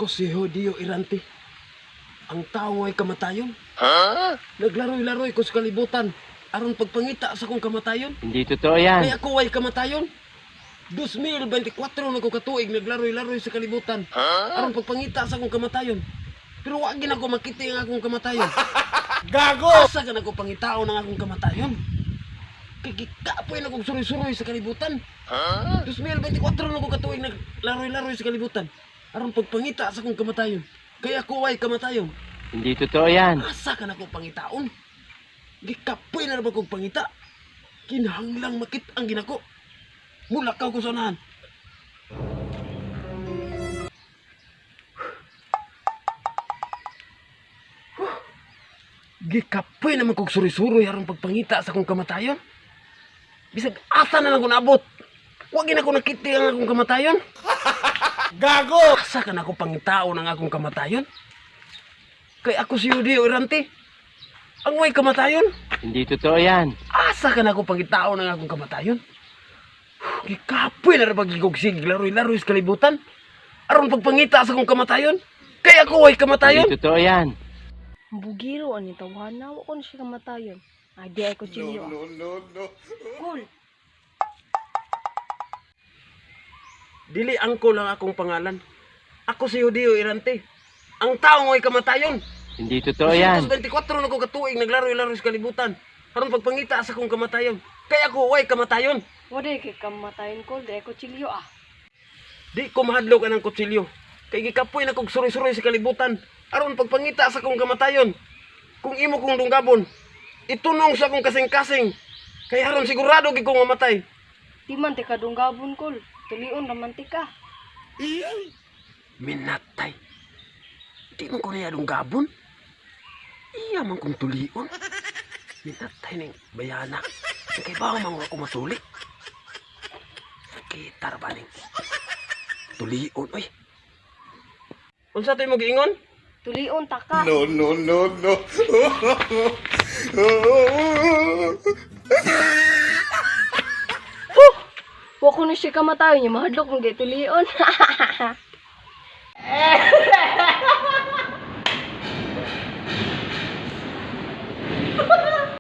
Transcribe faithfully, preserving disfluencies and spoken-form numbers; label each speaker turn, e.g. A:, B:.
A: Ako si Jodio Irante. Ang tao ay kamatayon. Ha? Naglaroy-laroy ko sa kalibutan. Aron pagpangita sa kong kamatayon.
B: Hindi totoo yan.
A: Kaya ako ay kamatayon. two thousand twenty-four na ko katuig naglaroy-laroy sa kalibutan. Aron pagpangita sa kong kamatayon. Pero wag gina ko makita ang akong kamatayon.
C: Gago!
A: Asa ka na ko pangitao ng akong kamatayon? Kay gikapoy na kong suroy-suroy sa kalibutan. two thousand twenty-four na ko katuig naglaroy-laroy sa kalibutan. Aron pagpangita sa kong kamatayon. Kaya ako ay kamatayon.
B: Hindi totoo yan.
A: Asa ka na ko pangitaon? Gikapoy na naman kong pangita. Kinahanglang makit ang ginako. Mula ka ko sanahan. Gikapoy naman kong suri-suroy harang pagpangita sa kong kamatayon. Bisag asa na lang ko naabot. Huwag na ko nakiti ang akong kamatayon.
C: Gago!
A: Asa ka na ko pangitao ng akong kamatayon? Kay ako si Jodio Irante. Ang may kamatayon.
B: Hindi totoo yan.
A: Asa ka na ko pangitao ng akong kamatayon? Gikapoy na rabag gigugsig, laroy-laroy sa kalibutan. Aron pagpangita sa kong kamatayon. Kaya ako ay kamatayon.
B: Hindi totoo yan.
D: Bugiro ani tawhana wa ko na siya kamatayon. Ay di ay ko chilyo.
C: No, no, no.
D: Cool.
A: Dili angko lang akong pangalan. Ako si Jodio Irante. Ang tao ay kamatayon.
B: Hindi totoo yan.
A: two thousand twenty-four na ko katuig naglaroy-laroy sa kalibutan. Aron pagpangita sa kong kamatayon. Kaya ako ay kamatayon.
D: Wa di kay kamatayon ko di ay ko chilyo ah.
A: Di ko mahadlok anang kutsilyo. Kay gikapoy na kog suroy-suroy sa kalibutan. Aron pagpangita sa kong kamatayon. Kung imo kong dunggabon, itunong sa kong kasing-kasing. Kay aron sigurado gi kong mamatay.
D: Di man ti kadunggabon kol. Tulion naman ti ka.
A: Minatay. Di man ko na dunggabon. Iya man kong tulion. Minatay ning bayana. Kay ba man ako matuli? Kita ra ba ning tulion oy. Unsa tay mo giingon?
D: Tulion ta ka.
C: No, no, no, no.
D: Wa ko na siya kamatayon, yung mahadlok ng tulion.